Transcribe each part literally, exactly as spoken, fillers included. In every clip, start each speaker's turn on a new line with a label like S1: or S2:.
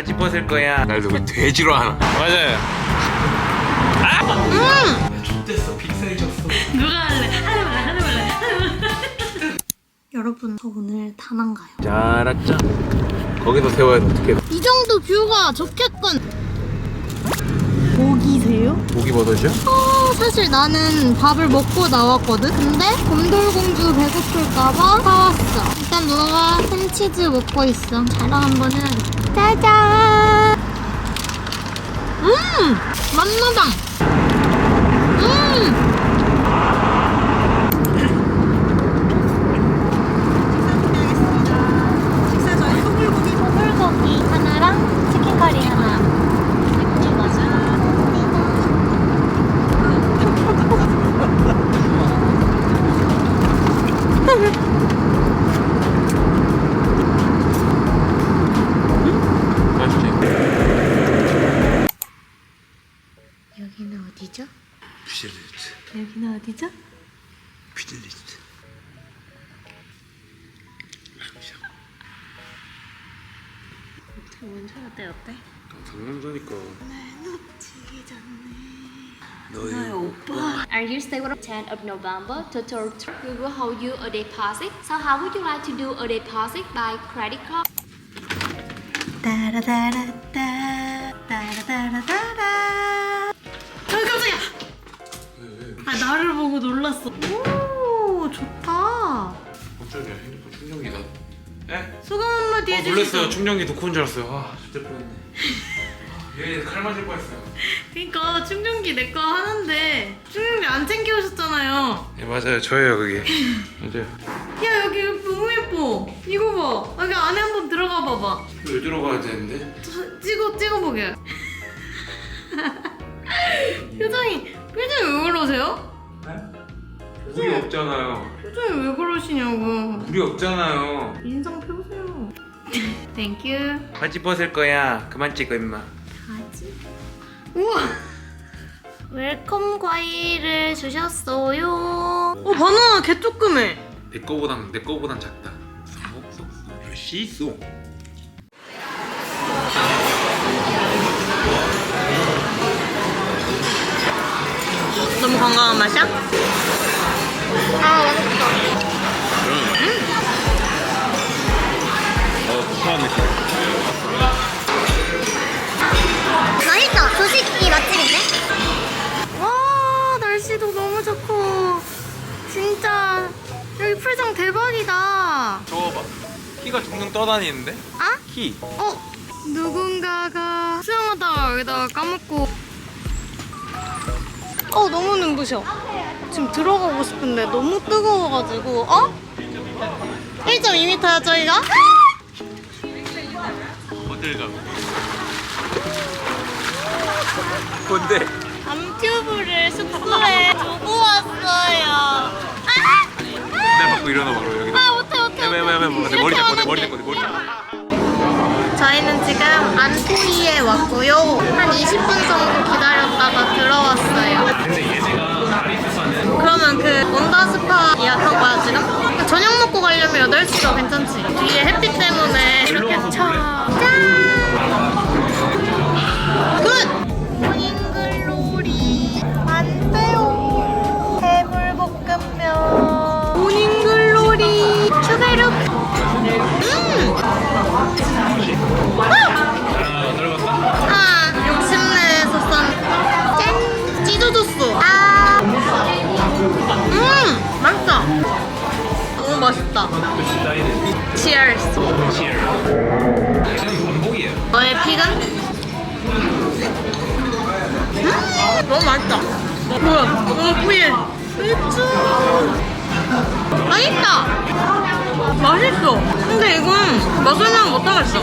S1: 바지 벗을 거야.
S2: 날 누구 돼지로 하나.
S1: 맞아요. 아!
S3: 음!
S1: X됐어. 빅사이즈였어.
S3: 누가 할래? 하지 말래, 하지 말래, 하지 말래. 여러분, 저 오늘 다낭 가요.
S1: 잘았죠? 거기서 세워야 돼. 어떻게?
S3: 이 정도 뷰가 좋겠군. 고기세요?
S1: 고기 버섯이요?
S3: 어, 사실 나는 밥을 먹고 나왔거든? 근데 곰돌공주 배고플까봐 사왔어. 일단 누나가 햄치즈 먹고 있어. 자랑 한번 해야겠다. 짜잔! 음! 맛나당! 음! 식사 저희 소불고기 소불고기 하나랑 치킨 커리 하나. 여기는 어디죠?
S1: 퓨질리스트.
S3: 여기는 어디죠?
S1: 퓨질리스트.
S3: 먼저 어때 어때?
S1: 당연하니까.
S3: 놓치기 전에
S1: 너의
S3: 오빠.
S4: Are you stay with tenth of November to twelve? We will hold you a deposit. So how would you like to do a deposit by credit card?
S3: 따라따라따 따라따라따라. 아 깜짝이야. 아 나를 보고 놀랐어. 오 좋다.
S1: 깜짝이야. 핸드폰 충전기가. 에?
S3: 소감 한마디
S1: 어,
S3: 해주시죠.
S1: 놀랐어요. 충전기 놓고 온 줄 알았어요. 아, 진짜 뻔했네. 얘 칼 맞을 뻔했어요.
S3: 그러니까 충전기 내 거 하는데 충전기 안 챙겨 오셨잖아요.
S1: 예, 맞아요. 저예요, 그게. 맞아요.
S3: 야 여기 너무 예뻐. 이거 봐. 여기 안에 한번 들어가 봐봐.
S1: 왜 들어가야 되는데?
S3: 저, 찍어 찍어보게. 표정이 표정이 왜 그러세요?
S1: 네? 물이 없잖아요.
S3: 표정이 왜 그러시냐고.
S1: 물이 없잖아요.
S3: 인상 펴세요. 땡큐.
S1: 바지 벗을 거야. 그만 찍어, 임마.
S3: 바지. 우와. 웰컴 과일을 주셨어요. 어 바나나 개 조그매.
S1: 내 거보단 내 거보단 작다. 쏙쏙쏙. 시소.
S3: 너무 건강한 맛이야? 아 맛있다.
S2: 어, 포함 느낌.
S3: 맛있다. 조식이 맛집인데? 와 날씨도 너무 좋고 진짜 여기 풀장 대박이다.
S1: 저거 봐. 키가 둥둥 떠다니는데?
S3: 아?
S1: 키.
S3: 어? 누군가가 수영하다가 여기다가 까먹고 어 너무 눈부셔. 지금 들어가고 싶은데 너무 뜨거워가지고 어? 일 점 이 미터야 저희가?
S1: 어딜 가? 뭔데?
S3: 암튜브를 숙소에 두고 왔어요. 아!
S1: 내 받고 일어나 바로 여기.
S3: 아 못해 못해
S1: 왜 왜 왜 내 머리 잡고 내 머리 잡고 내 머리 잡고.
S3: 저희는 지금 안토이에 왔고요. 한 이십 분 정도 기다렸다가 들어왔어요. 그러면 그 원더스파 예약한 거야 지금? 저녁 먹고 가려면 여덟 시가 괜찮지? 뒤에 햇빛 때문에 이렇게 차. 짠! 굿! 모닝글로리 안 돼요. 해물볶음면 모닝글로리 추베룩. 음! 아, 욕심내서 싼. 짠! 찢어줬어. 아. 음! 맛있다. 너무 맛있다. Cheers.
S1: 반복이에요.
S3: 너의 픽은? 음! 너무 맛있다. 뭐야? 너무 뿌예. 맥주. 맛있다. 맛있어. 근데 이건 먹으면 못하겠어.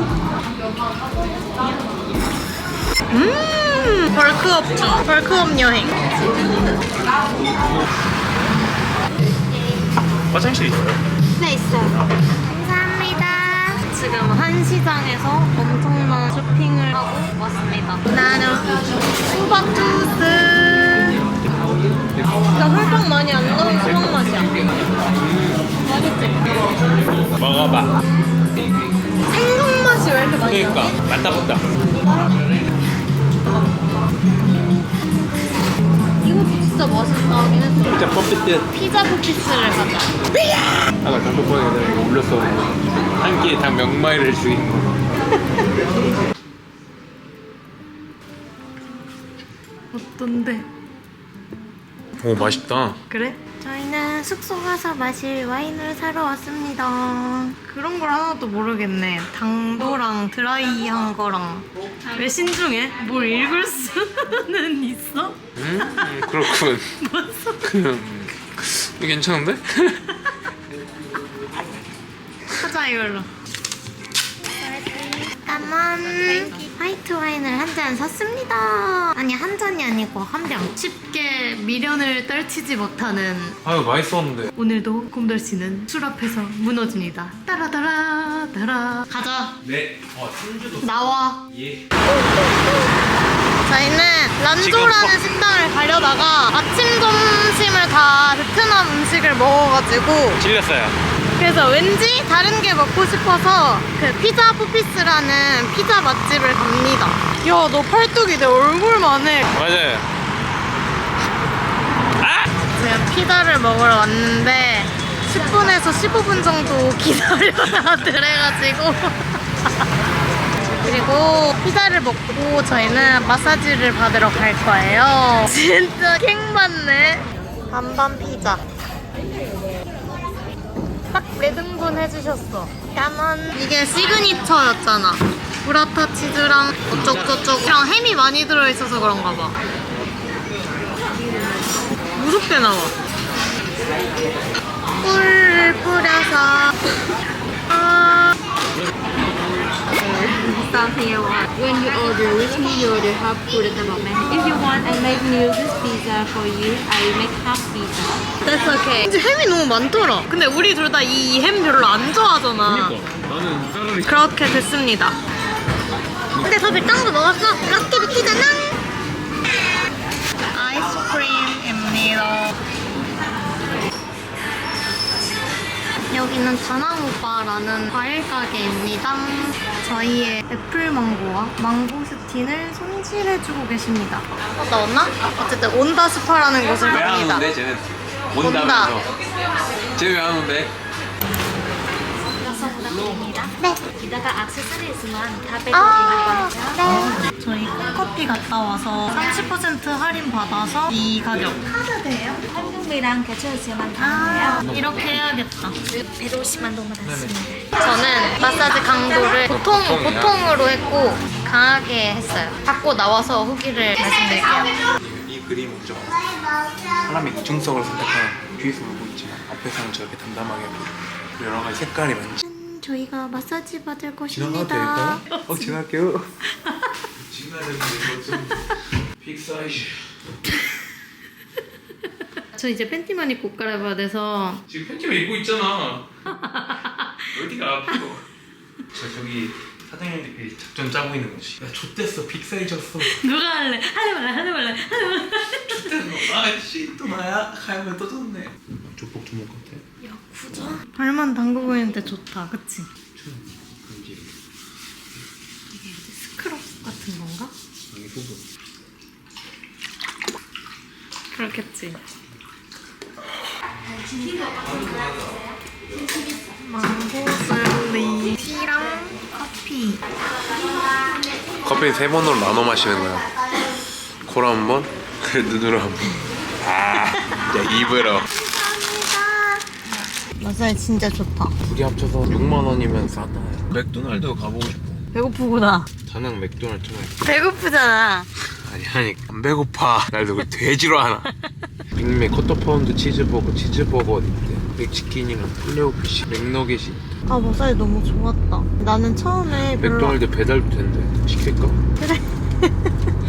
S3: 음, 벌크업 중. 벌크업 여행.
S1: 화장실 있어요?
S3: 네, 있어요. 감사합니다. 지금 한시장에서 엄청난 쇼핑을 하고 왔습니다. 나는 수박주스. 나 설탕 많이 안 넣은 수박 맛이야. 맛있지?
S1: 먹어봐.
S3: 생강 맛이 왜 이렇게
S1: 그러니까 맞다 맞다.
S3: 이거 진짜 맛있다. 얘네
S1: 진짜 펌프듯.
S3: 피자 포피스를 가자.
S1: 아까 단톡방에 내가 이거 올렸어. 한 끼에 당 몇 마리를 죽인 거.
S3: 어떤데?
S1: 오 맛있다.
S3: 그래? 저희는 숙소 가서 마실 와인을 사러 왔습니다. 그런 걸 하나도 모르겠네. 당도랑 드라이한 거랑. 왜 신중해? 뭘 읽을 수는 있어?
S1: 음 그렇군. 그냥 이거 괜찮은데?
S3: 하자 이걸로. 까만 화이트 와인을 한 잔 샀습니다. 아니 한 잔이 아니고 한 병. 쉽게 미련을 떨치지 못하는
S1: 아유 맛있었는데.
S3: 오늘도 곰돌 씨는 술 앞에서 무너집니다. 따라따라 따라. 가자.
S1: 네. 어 손주도.
S3: 나와.
S1: 예.
S3: 저희는 란조라는 식당을 가려다가 아침 점심을 다 베트남 음식을 먹어가지고
S1: 질렸어요.
S3: 그래서 왠지 다른 게 먹고 싶어서 그 피자 포피스라는 피자 맛집을 갑니다. 야, 너 팔뚝이 내 얼굴만 해.
S1: 맞아요. 아!
S3: 지금 피자를 먹으러 왔는데 십 분에서 십오 분 정도 기다려야 그래가지고 그리고 피자를 먹고 저희는 마사지를 받으러 갈 거예요. 진짜 킹 받네. 반반 피자 딱 네 등분 해주셨어. 까만. 이게 시그니처였잖아. 브라타 치즈랑 어쩌고저쩌고랑 햄이 많이 들어있어서 그런가 봐. 무섭게 나와. 꿀을 뿌려서 아.
S4: Stop here. When you order with me, you order half food at the moment. If you want, I make new this pizza for you. I make half pizza.
S3: That's okay. 이제 햄이 너무 많더라. 근데 우리 둘 다 이 햄 별로 안 좋아하잖아.
S1: 나는 차라리.
S3: 그렇게 됐습니다. 근데 저 밀당도 먹었어. 럭키 비키잖아. 아이스크림입니다. 여기는 다낭오빠라는 과일 가게입니다. 저희의 애플망고와 망고스틴을 손질해주고 계십니다. 어, 나왔나? 어쨌든 온다스파라는 곳을 갑니다.
S1: 쟤는
S3: 온다.
S1: 쟤 왜 안 온대?
S3: 네.
S4: 이따가 액세서리스만 다 빼고
S3: 아,
S4: 있는 거니까.
S3: 네. 저희 콩커피 갔다 와서 삼십 퍼센트 할인 받아서 이 가격.
S4: 한국이랑 같이 오시면
S3: 아,
S4: 되는데요.
S3: 이렇게 해야겠다.
S4: 백오십만 동 받았습니다.
S3: 저는 마사지 강도를 보통,
S1: 보통이야.
S3: 보통으로 했고 강하게 했어요. 받고 나와서 후기를 말씀드릴게요.
S1: 이 그림이죠. 사람이 이중성을 선택하는 뒤에서 울고 있지만 앞에서는 저렇게 담담하게 보고 여러 가지 색깔이 많지.
S3: 저희가 마사지 받을
S1: 지나가도
S3: 곳입니다.
S1: 될까요? 어 지나갈게요. 지나야 되는데 이거 좀 빅사이즈.
S3: 저 이제 팬티만 입고 옷 갈아입어야 돼서
S1: 지금 팬티만 입고 있잖아. 어디가 아프고. 저 저기 사장님들끼리 작전 짜고 있는 거지. 야 좆됐어 빅사이즈였어.
S3: 누가 할래? 할래 말래 할래 말래 할래 말래.
S1: 좆됐어. 아씨 또 나야? 가면 또 졌네. 조폭 주먹 같아.
S3: 야 구자. 발만 담그고 있는데 좋다, 그치?
S1: 금지.
S3: 이게 뭐지? 스크럽 같은 건가?
S1: 여기 소금.
S3: 그렇겠지. 망고 셀리 티랑 커피.
S1: 커피 세 번으로 나눠 마시는 거야. 코로 한 번, 눈으로 한 번. 아, 야 입으로.
S3: 마사지 진짜 좋다.
S1: 둘이 합쳐서 육만 원이면 싸다. 맥도날드 가보고 싶어.
S3: 배고프구나.
S1: 다낭 맥도날드 좀 해.
S3: 배고프잖아.
S1: 아니 아니 안 배고파. 날 누구 돼지로 하나. 빅맥 쿼터 파운드 치즈버거 치즈버거 있대. 맥치킨이랑 플레오피시 맥너겟이 있대.
S3: 아 마사지 너무 좋았다. 나는 처음에 별로
S1: 맥도날드 배달도 된대. 시킬까?
S3: 그래.